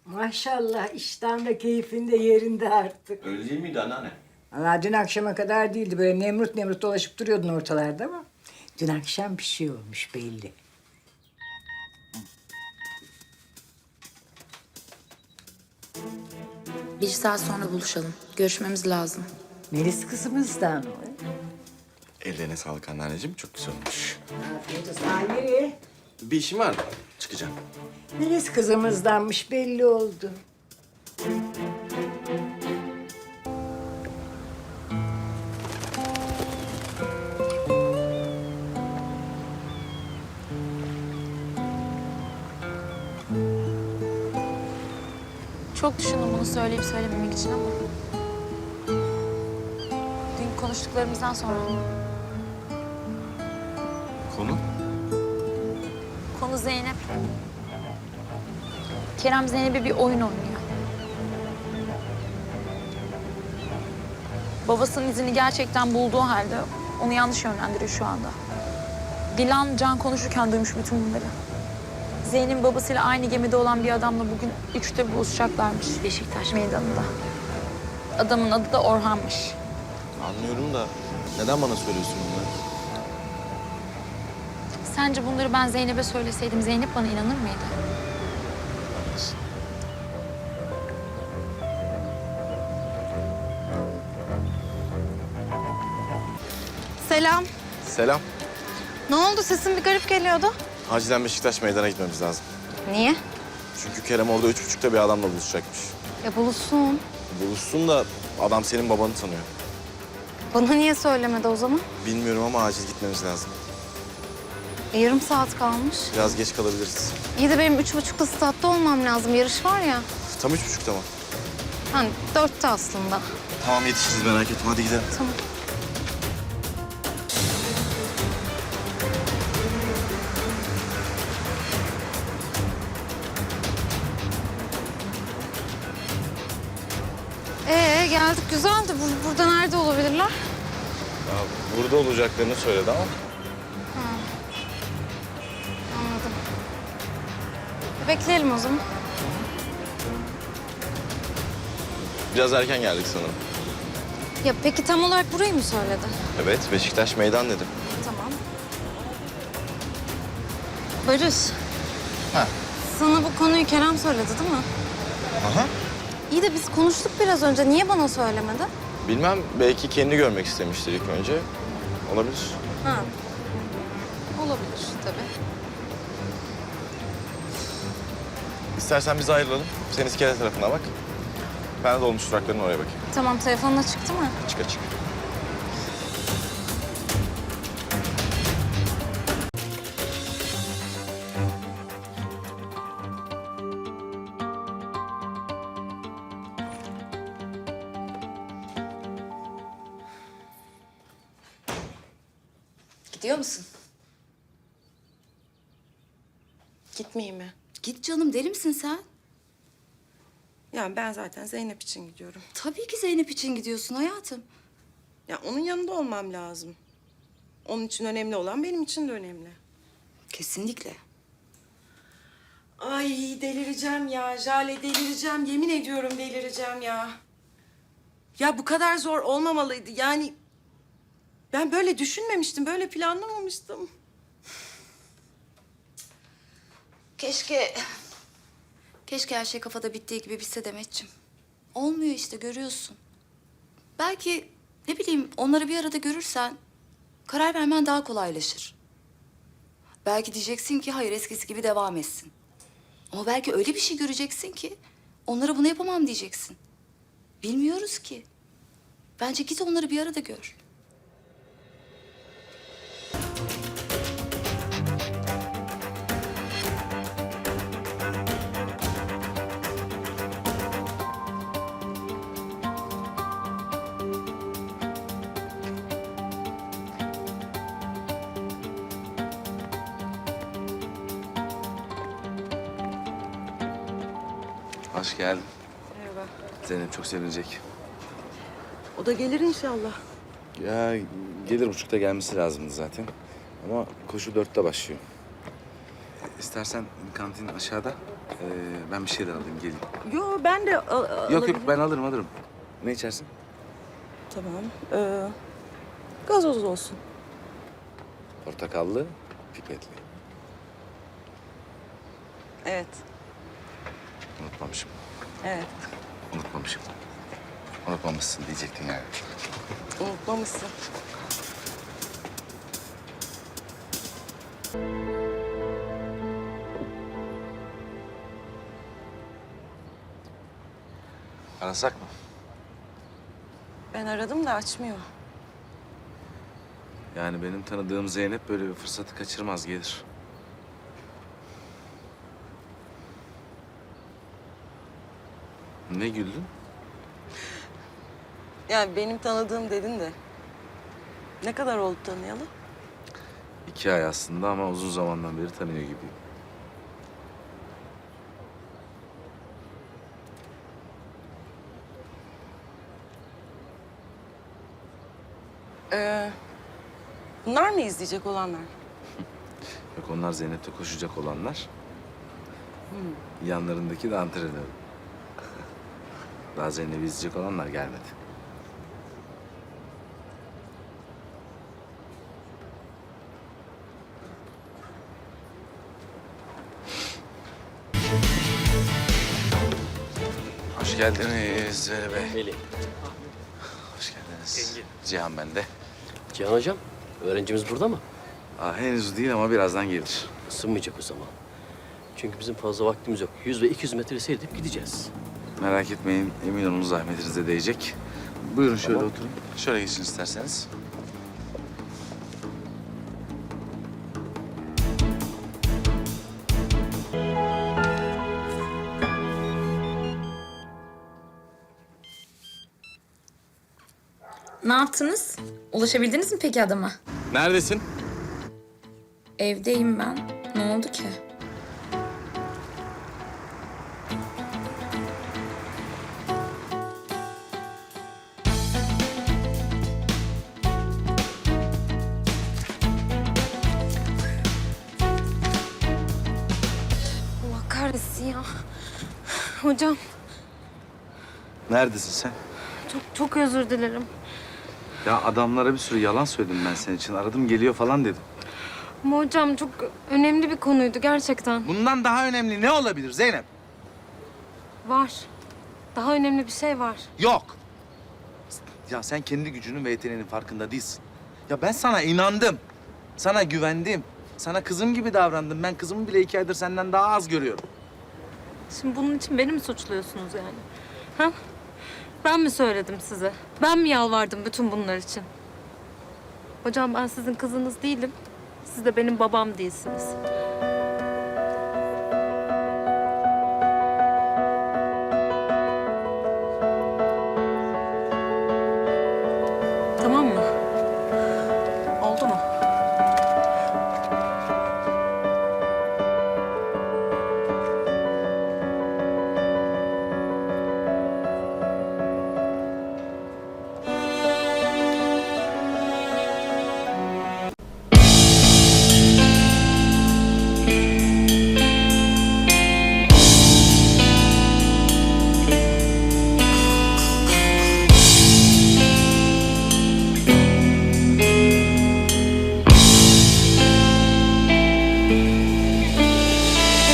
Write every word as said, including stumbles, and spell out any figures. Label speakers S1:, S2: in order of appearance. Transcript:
S1: Maşallah iştahın da keyfin de yerinde artık.
S2: Öyle değil miydi anneanne?
S1: Valla dün akşama kadar değildi. Böyle nemrut nemrut dolaşıp duruyordun ortalarda ama... ...dün akşam bir şey olmuş belli.
S3: Bir saat sonra buluşalım. Görüşmemiz lazım.
S1: Melis kızımızdan mı?
S2: Ellerine sağlık anneanneciğim. Çok güzel olmuş.
S1: Afiyet olsun. Aa, nereye?
S2: Bir işim var. Çıkacağım.
S1: Melis kızımızdanmış belli oldu.
S3: Çok düşündüm bunu söyleyip söylememek için ama... Dün konuştuklarımızdan sonra...
S2: Konu?
S3: Konu Zeynep. Kerem Zeynep'e bir oyun oynuyor. Babasının izini gerçekten bulduğu halde onu yanlış yönlendiriyor şu anda. Dilan, Can konuşurken duymuş bütün bunları. Zeynep'in babasıyla aynı gemide olan bir adamla bugün üçte buluşacaklarmış Beşiktaş meydanında. Adamın adı da Orhan'mış.
S2: Anlıyorum da neden bana söylüyorsun bunları?
S3: Sence bunları ben Zeynep'e söyleseydim Zeynep bana inanır mıydı?
S4: Selam.
S2: Selam.
S4: Ne oldu? Sesin bir garip geliyordu.
S2: Acilen Beşiktaş meydana gitmemiz lazım.
S4: Niye?
S2: Çünkü Kerem orada üç buçukta bir adamla buluşacakmış.
S4: Ya buluşsun.
S2: Buluşsun da adam senin babanı tanıyor.
S4: Bana niye söylemedi o zaman?
S2: Bilmiyorum ama acil gitmemiz lazım.
S4: E, yarım saat kalmış.
S2: Biraz geç kalabiliriz.
S4: İyi de benim üç buçukta statta olmam lazım. Yarış var ya.
S2: Tam üç buçukta mı?
S4: Hani dörtte aslında.
S2: Tamam yetişiriz merak etme hadi gidelim.
S4: Tamam. Ee geldik güzeldi. Bur- burada nerede olabilirler?
S2: Ya, burada olacaklarını söyledi ama.
S4: Anladım. E, bekleyelim o zaman.
S2: Biraz erken geldik sanırım.
S4: Ya peki tam olarak burayı mı söyledi?
S2: Evet Beşiktaş meydan dedim.
S4: Tamam. Barış.
S2: Ha.
S4: Sana bu konuyu Kerem söyledi değil mi?
S2: Aha.
S4: İyi de biz konuştuk biraz önce. Niye bana söylemedi?
S2: Bilmem belki kendi görmek istemiştir ilk önce. Olabilir.
S4: Ha. Olabilir tabii.
S2: İstersen biz ayrılalım. Sen iskele tarafına bak. Ben de dolmuş durakların oraya bakayım.
S4: Tamam, telefonla çıktı mı?
S2: Çık açık.
S5: Gidiyor musun?
S6: Gitmeyeyim mi?
S5: Git canım, deli misin sen?
S6: Yani ben zaten Zeynep için gidiyorum.
S5: Tabii ki Zeynep için gidiyorsun hayatım.
S6: Ya onun yanında olmam lazım. Onun için önemli olan benim için de önemli.
S5: Kesinlikle.
S6: Ay delireceğim ya Jale, delireceğim. Yemin ediyorum delireceğim ya. Ya bu kadar zor olmamalıydı. Yani ben böyle düşünmemiştim, böyle planlamamıştım.
S5: Keşke... Keşke her şey kafada bittiği gibi bitse Demetciğim. Olmuyor işte, görüyorsun. Belki ne bileyim onları bir arada görürsen karar vermen daha kolaylaşır. Belki diyeceksin ki hayır eskisi gibi devam etsin. Ama belki öyle bir şey göreceksin ki onlara bunu yapamam diyeceksin. Bilmiyoruz ki. Bence git onları bir arada gör.
S7: Hoş geldin.
S6: Merhaba.
S7: Zeynep çok sevinecek.
S6: O da gelir inşallah.
S7: Ya gelir buçukta gelmesi lazımdı zaten. Ama koşu dörtte başlıyor. İstersen kantin aşağıda. Ee, ben bir şeyler alayım geleyim.
S6: Yo ben de al- al-
S7: Yok yok
S6: alabilirim.
S7: ben alırım alırım. Ne içersin?
S6: Tamam. Ee, gazoz olsun.
S7: Portakallı, pipetli.
S6: Evet.
S7: Unutmamışım.
S6: Evet.
S7: Unutmamışım. Unutmamışsın diyecektin yani.
S6: Unutmamışsın.
S7: Arasak mı?
S6: Ben aradım da açmıyor.
S7: Yani benim tanıdığım Zeynep böyle bir fırsatı kaçırmaz gelir. Ne güldün?
S6: Yani benim tanıdığım dedin de. Ne kadar oldu tanıyalı?
S7: İki ay aslında ama uzun zamandan beri tanıyor gibiyim.
S6: Ee, bunlar mı izleyecek olanlar?
S7: Yok onlar Zeynep'te koşacak olanlar. Yanlarındaki de antrenör. Daha Zeynep'i izleyecek olanlar gelmedi. Hoş geldiniz Zeynep Bey.
S8: Melih.
S7: Hoş geldiniz. Cihan ben de.
S8: Cihan Hocam, öğrencimiz burada mı?
S7: Aa, henüz değil ama birazdan gelir.
S8: Isınmayacak o zaman. Çünkü bizim fazla vaktimiz yok. Yüz ve iki yüz metre seyredip gideceğiz.
S7: Merak etmeyin, emin olun zahmetinize değecek. Buyurun şöyle
S8: Tamam.
S7: oturun. Şöyle geçin isterseniz.
S3: Ne yaptınız? Ulaşabildiniz mi peki adama?
S2: Neredesin?
S3: Evdeyim ben. Ne oldu ki?
S4: Allah kahretsin ya. Hocam
S7: Neredesin sen?
S4: çok çok özür dilerim.
S7: Ya adamlara bir sürü yalan söyledim ben senin için. Aradım geliyor falan dedim.
S4: Ama hocam çok önemli bir konuydu gerçekten.
S7: Bundan daha önemli ne olabilir Zeynep?
S4: Var. Daha önemli bir şey var.
S7: Yok. Ya sen kendi gücünün ve yeteneğinin farkında değilsin. Ya ben sana inandım. Sana güvendim. Sana kızım gibi davrandım. Ben kızımı bile iki aydır senden daha az görüyorum.
S4: Şimdi bunun için beni mi suçluyorsunuz yani? Ha? Ben mi söyledim size? Ben mi yalvardım bütün bunlar için? Hocam ben sizin kızınız değilim. Siz de benim babam değilsiniz.